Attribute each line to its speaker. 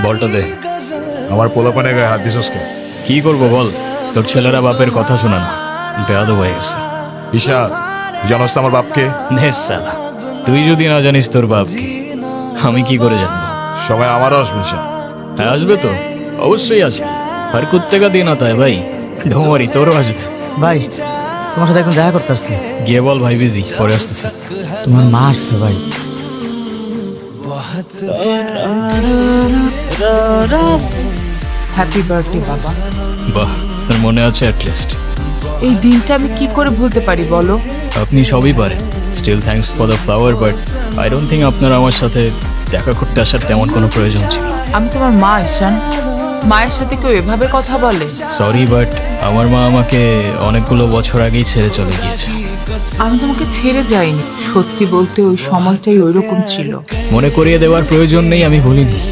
Speaker 1: বলটা দে।
Speaker 2: আমার পোলাপানে গায়ে হাত দিছস কে?
Speaker 1: কি করবো বল, তোর ছেলেরা বাপের কথা শোনা না, বেয়াদব হয়ে গেছে।
Speaker 2: ঈশা, জানোস তো আমার বাপকে?
Speaker 1: নেস সালা, তুই যদি না জানিস তোর বাপকে, আমি কি করে জানবো?
Speaker 2: সবাই আমারও আসবে ঈশা।
Speaker 1: হ্যাঁ আসবে তো, অবশ্যই আসবে। আর কুত্তেকা দিন আতা है ভাই, ঢোমারি তোরও আসবে।
Speaker 3: ভাই তোমার সাথে একদম দেখা করতে আসছি।
Speaker 1: গিয়ে বল ভাই বিজি, পরে আসতেছে।
Speaker 3: তোমার মা আসছে ভাই।
Speaker 4: হ্যাপি বার্থডে বাবা।
Speaker 1: বাহ, তোর মনে আছে অ্যাটলিস্ট।
Speaker 4: এই দিনটা আমি কি করে ভুলতে পারি বলো?
Speaker 1: আপনি সবই পারেন। Still thanks for the flower, but I don't think আপনার আমার সাথে দেখা করতে আসার তেমন কোনো প্রয়োজন ছিল।
Speaker 4: আমি তোমার মা ঈশান, মায়ের সাথে কেউ এভাবে কথা বলে?
Speaker 1: সরি, বাট আমার মা আমাকে অনেকগুলো বছর আগেই ছেড়ে চলে গিয়েছে।
Speaker 4: আমি তোমাকে ছেড়ে যাইনি, সত্যি বলতে ওই সময়টাই ওইরকম ছিল।
Speaker 1: মনে করিয়ে দেওয়ার প্রয়োজন নেই, আমি ভুলিনি।